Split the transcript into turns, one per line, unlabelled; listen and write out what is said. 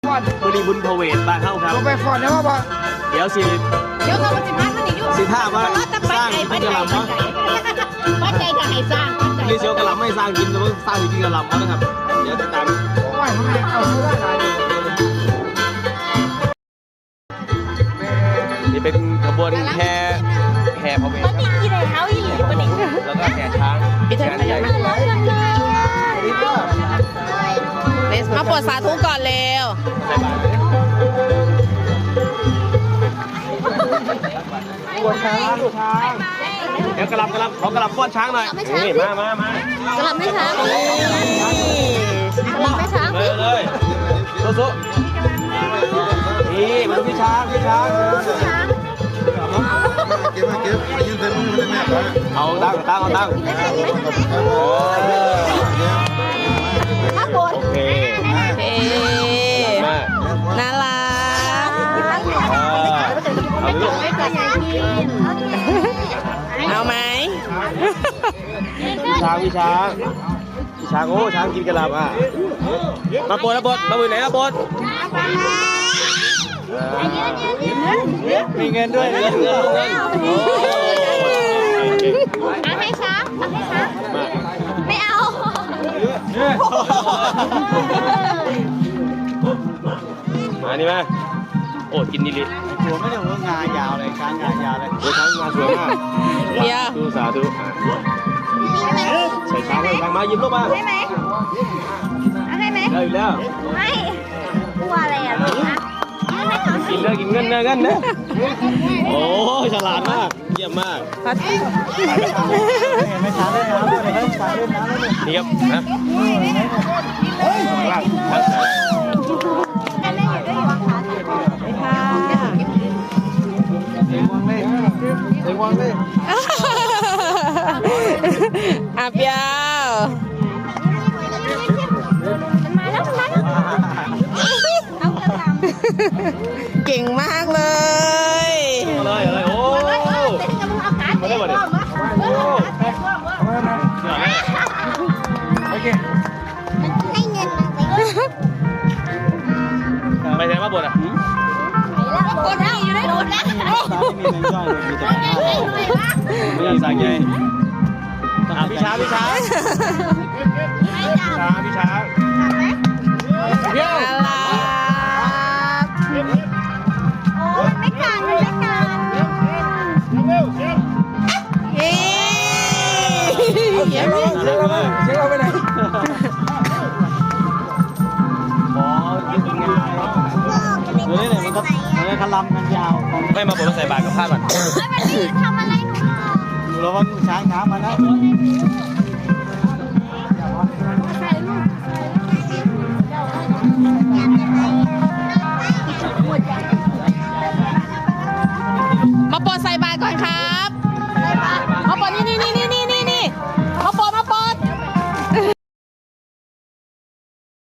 ฟอน
มือดีบุญพเวทบ้านเฮาครับ
ลงไปฟอนได้ป่ะ
เดี๋ยว
เราจะพักมันอยู่
สิท่าว่าสร้างกินกระหล่ำเนาะ
ปัจจัยจะให้สร้าง
นี่เชียวกระหล่ำไม่สร้างกินแต่ว่าสร้างกินกระหล่ำเขานะครับเดี๋ยวติดตาม
ว่าให้เอาเมื่อไหร่
นี่เป็นขบวนแห่พระเวท
มันมีกี่เท้าอีหลีปะนี่
แล้วก็แห่ช้างงานใหญ่
มาปวดสาธุก่อนเร็ว
ใส่บาตร
ปวดช้างช้าง
เดี๋ยวกระหล่ำขอกระหล่ำป้อนช้างหน่อยนี่มาก
ระลำไม่ช้างกระลำไม่ช้าง
เลยสู้ๆนี่มาดูพี่ช้าง
เก็บยืนเต็มมือเลยแม่ครับ
เอาตั้ง
มาปวด
โอเค
เ
มา
น่ารัก
เอาลูก
เอาไหม
พี่ช้างโอ้ช้างกินกระหล่ำอ่ะมาปนมาบุญไหนมาปน
มีเงินด้วย
เงิน
เอาให้ช้างไม่เอา
มานี่มาโอ้กินนี่ลิ
หัวไม่ได้หัวงายาวเลยช้างงายาวเลย
โอ้ช้างมาสวยมาก
เดี๋ยว
สาธุใส่ช้างให้ช้างมายิ้มลูกมา
ให้ไหมให้ไหม
ได้อยู่แล้ว
ไม่กลัวอะไรอ่ะลูกนะ
กินเลยกินเงินนะโอ้ฉลาดมากเยี่ยมมาก
ไม่ช้างเล่นน้ำเลยไม่ช้างเล่นน้ำเลย
นี่ครับนะล่าง
เสียงวังเลย
อาเปียว เก่งมากเลย
เลยโอ้มาได้หมดเลยโอเคไปไหนมาบดอ่ะ
คนที่อยู่ในรถนะ
มีเงินด้วยมีแต่
ไม่ใช่สายไงพี่ช้างพี่ช้างเดี๋ยว
น่ารักโอ้ยไม่กัดเฮ้ยเดี๋ยว
เช็คเราไปไหน
ดูนี่เนี่ยมันก็
คลำกันยาว
ไม่มาบดมาใส่บาตรกับผ้าก่อน
ทำอะไรหนู
ระวังช้างน้ำมานะ